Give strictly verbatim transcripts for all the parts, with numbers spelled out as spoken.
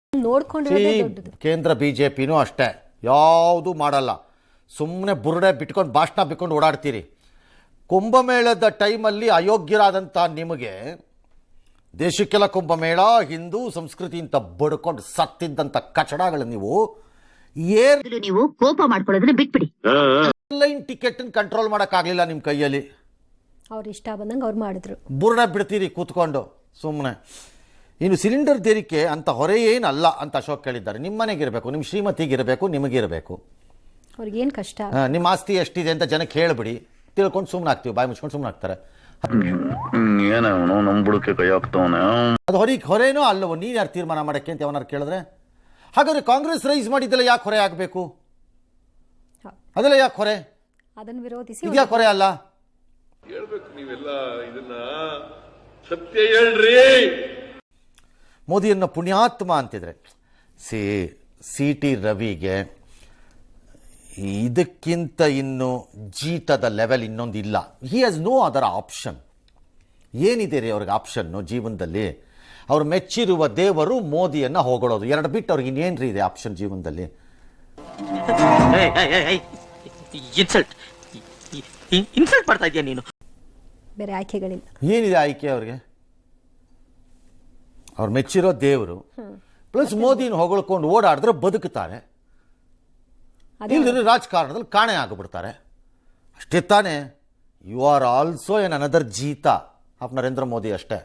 ನೋಡ್ಕೊಂಡಿರೋದೇ ದೊಡ್ಡದು. ಕೇಂದ್ರ ಬಿಜೆಪಿನೂ ಅಷ್ಟೇ, ಯಾವುದು ಮಾಡಲ್ಲ, ಸುಮ್ಮನೆ ಬುರುಡೆ ಬಿಟ್ಕೊಂಡು ಭಾಷಣ ಬಿಟ್ಕೊಂಡು ಓಡಾಡ್ತೀರಿ. ಕುಂಭಮೇಳದ ಟೈಮಲ್ಲಿ ಅಯೋಗ್ಯರಾದಂಥ ನಿಮಗೆ ದೇಶಕ್ಕೆಲ್ಲ ಕುಂಭಮೇಳ ಹಿಂದೂ ಸಂಸ್ಕೃತಿ ಅಂತ ಬಡ್ಕೊಂಡು ಸತ್ತಿದ್ದಂಥ ಕಚಡಗಳು ನೀವು ಏನ್ ನೀವು ಕೋಪ ಮಾಡ್ಕೊಳ್ಳೋದನ್ನ ಬಿಟ್ಬಿಡಿ. ಆನ್ಲೈನ್ ಟಿಕೆಟ್ ಕಂಟ್ರೋಲ್ ಮಾಡೋಕ್ಕಾಗಲಿಲ್ಲ ನಿಮ್ಮ ಕೈಯಲ್ಲಿ, ಅವ್ರು ಇಷ್ಟ ಬಂದಂಗೆ ಅವ್ರು ಮಾಡಿದ್ರು. ಬುರುಡೆ ಬಿಡ್ತೀರಿ ಕೂತ್ಕೊಂಡು ಸುಮ್ಮನೆ. ಇನ್ನು ಸಿಲಿಂಡರ್ ತೆರಿಗೆ ಅಂತ ಹೊರೆ ಏನಲ್ಲ ಅಂತ ಅಶೋಕ್ ಹೇಳಿದ್ದಾರೆ. ನಿಮ್ಮ ಮನೆಗಿರಬೇಕು, ನಿಮ್ಮ ಶ್ರೀಮತಿಗಿರಬೇಕು, ನಿಮಗಿರಬೇಕು. ಅವ್ರಿಗೇನು ಕಷ್ಟ, ನಿಮ್ಮ ಆಸ್ತಿ ಎಷ್ಟಿದೆ ಅಂತ ಜನಕ್ಕೆ ಹೇಳ್ಬಿಡಿ, ತಿಳ್ಕೊಂಡು ಸುಮ್ಮನೆ ಆಗ್ತೀವಿ, ಬಾಯಿ ಮುಚ್ಕೊಂಡು ಸುಮ್ಮನೆ ಆಗ್ತಾರೆ. ಅದು ಹೊರೆ ಹೊರೇನೋ ಅಲ್ಲವೋ, ನೀನು ಯಾರು ತೀರ್ಮಾನ ಮಾಡೋಕ್ಕೆ ಅಂತ ಅವನಾರು ಕೇಳಿದ್ರೆ? ಹಾಗಾದ್ರೆ ಕಾಂಗ್ರೆಸ್ ರೈಸ್ ಮಾಡಿದ್ದೆಲ್ಲ ಯಾಕೆ ಹೊರೆ ಆಗಬೇಕು? ಅದೆಲ್ಲ ಯಾಕೆ ಹೊರೆ? ಅದನ್ನು ವಿರೋಧಿಸಿ ಇದ್ಯಾಕೆ ಹೊರೆ ಅಲ್ಲ? ಹೇಳ್ಬೇಕು ನೀವೆಲ್ಲ ಇದನ್ನ ಸತ್ಯ ಹೇಳ್ರಿ. ಮೋದಿಯನ್ನು ಪುಣ್ಯಾತ್ಮ ಅಂತಿದ್ರೆ ಸಿ ಸಿ ಟಿ ರವಿಗೆ ಇದಕ್ಕಿಂತ ಇನ್ನು ಜೀತದ ಲೆವೆಲ್ ಇನ್ನೊಂದು ಇಲ್ಲ. He has no other option. ಏನಿದೆ ರೀ ಅವ್ರಿಗೆ ಆಪ್ಷನ್ನು ಜೀವನದಲ್ಲಿ? ಅವ್ರು ಮೆಚ್ಚಿರುವ ದೇವರು ಮೋದಿಯನ್ನು ಹೊಗಳೋದು, ಎರಡು ಬಿಟ್ಟು ಅವ್ರಿಗೆ ಇನ್ನೇನು ರೀ ಇದೆ ಆಪ್ಷನ್ ಜೀವನದಲ್ಲಿ? ಇನ್ಸಲ್ಟ್ ಇನ್ಸಲ್ಟ್ ಮಾಡ್ತಾ ಇದೀಯ ನೀನು. ಬೇರೆ ಆಯ್ಕೆಗಳಿಲ್ಲ. ಏನಿದೆ ಆಯ್ಕೆ ಅವ್ರಿಗೆ? ಅವ್ರು ಮೆಚ್ಚಿರೋ ದೇವರು ಪ್ಲಸ್ ಮೋದಿನ ಹೊಗಳ್ಕೊಂಡು ಓಡಾಡಿದ್ರೆ ಬದುಕುತ್ತಾರೆ, ಇಲ್ಲದ್ರೆ ರಾಜಕಾರಣದಲ್ಲಿ ಕಾಣೆ ಆಗಿಬಿಡ್ತಾರೆ. ಅಷ್ಟೇ ತಾನೇ? You are also an another ಜೀತ ಆಫ್ ನರೇಂದ್ರ ಮೋದಿ ಅಷ್ಟೇ.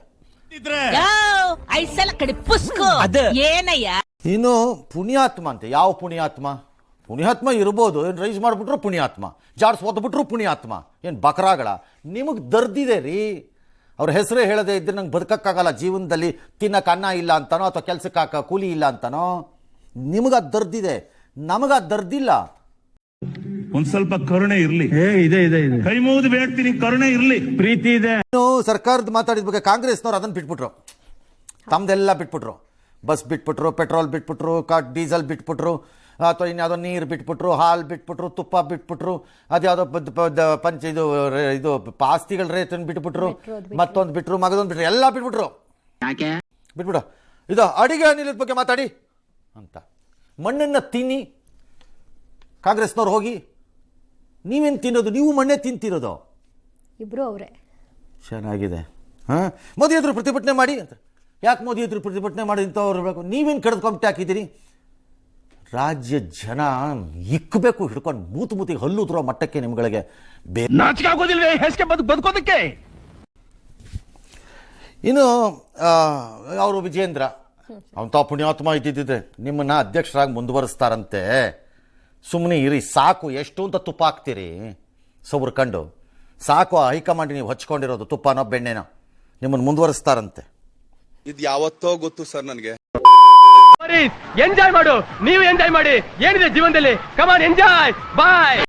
ಇನ್ನು ಪುಣ್ಯಾತ್ಮ ಅಂತೆ, ಯಾವ ಪುಣ್ಯಾತ್ಮ? ಪುಣ್ಯಾತ್ಮ ಇರ್ಬೋದು, ಏನು ರೈಸ್ ಮಾಡಿಬಿಟ್ರು ಪುಣ್ಯಾತ್ಮ, ಜಾಡ್ಸ್ ಓದ್ಬಿಟ್ರು ಪುಣ್ಯಾತ್ಮ, ಏನು ಬಕರಾಗಳ? ನಿಮಗೆ ದರ್ದಿದೆ ರೀ. ಅವ್ರ ಹೆಸರೇ ಹೇಳದೆ ಇದ್ರೆ ನಂಗೆ ಬದುಕಕ್ಕಾಗಲ್ಲ ಜೀವನದಲ್ಲಿ, ತಿನ್ನಕ್ಕೆ ಅನ್ನ ಇಲ್ಲ ಅಂತಾನೋ ಅಥವಾ ಕೆಲ್ಸಕ್ಕೆ ಹಾಕ ಕೂಲಿ ಇಲ್ಲ ಅಂತಾನೋ. ನಿಮಗದು ದರ್ದಿದೆ, ನಮಗದು ದರ್ದಿಲ್ಲ. ಒಂದ್ ಸ್ವಲ್ಪ ಕರುಣೆ ಇರ್ಲಿ. ಇದೆ ಇದೆ ಇದೆ, ಕೈ ಮುಗಿದು ಬೇಡ್ತೀನಿ, ಕರುಣೆ ಇರ್ಲಿ, ಪ್ರೀತಿ ಇದೆ. ಸರ್ಕಾರದ ಮಾತಾಡಿದ ಬಗ್ಗೆ ಕಾಂಗ್ರೆಸ್ನವ್ರು ಅದನ್ನು ಬಿಟ್ಬಿಟ್ರು, ತಮ್ದೆಲ್ಲ ಬಿಟ್ಬಿಟ್ರು. ಬಸ್ ಬಿಟ್ಬಿಟ್ರು, ಪೆಟ್ರೋಲ್ ಬಿಟ್ಬಿಟ್ರು, ಕಾ ಡೀಸೆಲ್ ಬಿಟ್ಬಿಟ್ರು, ಅಥವಾ ಇನ್ಯಾವುದೋ ನೀರು ಬಿಟ್ಬಿಟ್ರು, ಹಾಲು ಬಿಟ್ಬಿಟ್ರು, ತುಪ್ಪ ಬಿಟ್ಬಿಟ್ರು, ಅದ್ಯಾವುದೋ ಪಂಚ ಇದು ಇದು ಆಸ್ತಿಗಳ ರೇತನ್ನು ಬಿಟ್ಬಿಟ್ರು, ಮತ್ತೊಂದು ಬಿಟ್ರು, ಮಗದೊಂದು ಬಿಟ್ರು, ಎಲ್ಲ ಬಿಟ್ಬಿಟ್ರು. ಬಿಟ್ಬಿಡು. ಇದು ಅಡಿಗೆ ಅನಿಲದ ಬಗ್ಗೆ ಮಾತಾಡಿ ಅಂತ. ಮಣ್ಣನ್ನು ತಿನ್ನಿ ಕಾಂಗ್ರೆಸ್ನವ್ರು ಹೋಗಿ. ನೀವೇನು ತಿನ್ನೋದು? ನೀವು ಮಣ್ಣೆ ತಿಂತಿರೋದು. ಇಬ್ರು ಅವರೇ. ಚೆನ್ನಾಗಿದೆ. ಹಾಂ, ಮೋದಿ ಎದುರು ಪ್ರತಿಭಟನೆ ಮಾಡಿ ಅಂತ. ಯಾಕೆ ಮೋದಿ ಎದುರು ಪ್ರತಿಭಟನೆ ಮಾಡಿ ಇಂಥವ್ರು ಇರಬೇಕು? ನೀವೇನು ಕಡ್ದು ಹಾಕಿದ್ದೀರಿ? ರಾಜ್ಯ ಜನ ಇಕ್ಕಬೇಕು ಹಿಡ್ಕೊಂಡು ಮೂತು ಮೂತಿಗೆ ಹಲ್ಲುದ್ರೋ ಮಟ್ಟಕ್ಕೆ ನಿಮ್ಗಳಿಗೆ ನಾಚಿಕೆ ಆಗೋದಿಲ್ವೇ ಹೆಸ್ಗೆ ಬದುಕೋದಕ್ಕೆ? ಇನ್ನು ಅವರು ವಿಜೇಂದ್ರ ಅಂಥ ಪುಣ್ಯಾತ್ಮ ಇದ್ದಿದ್ದಿದ್ರೆ ನಿಮ್ಮನ್ನ ಅಧ್ಯಕ್ಷರಾಗಿ ಮುಂದುವರಿಸ್ತಾರಂತೆ. ಸುಮ್ಮನೆ ಇರಿ ಸಾಕು. ಎಷ್ಟು ಅಂತ ತುಪ್ಪ ಹಾಕ್ತೀರಿ ಸೌರ್ಕಂಡು? ಸಾಕು, ಹೈಕಮಾಂಡ್ ನೀವು ಹಚ್ಕೊಂಡಿರೋದು ತುಪ್ಪನೋ ಬೆಣ್ಣೆನೋ, ನಿಮ್ಮನ್ನು ಮುಂದುವರಿಸ್ತಾರಂತೆ. ಇದು ಯಾವತ್ತೋ ಗೊತ್ತು ಸರ್ ನನಗೆ. ಎಂಜಾಯ್ ಮಾಡು, ನೀವು ಎಂಜಾಯ್ ಮಾಡಿ. ಏನಿದೆ ಜೀವನದಲ್ಲಿ? ಕಮಾನ್ ಎಂಜಾಯ್, ಬಾಯ್.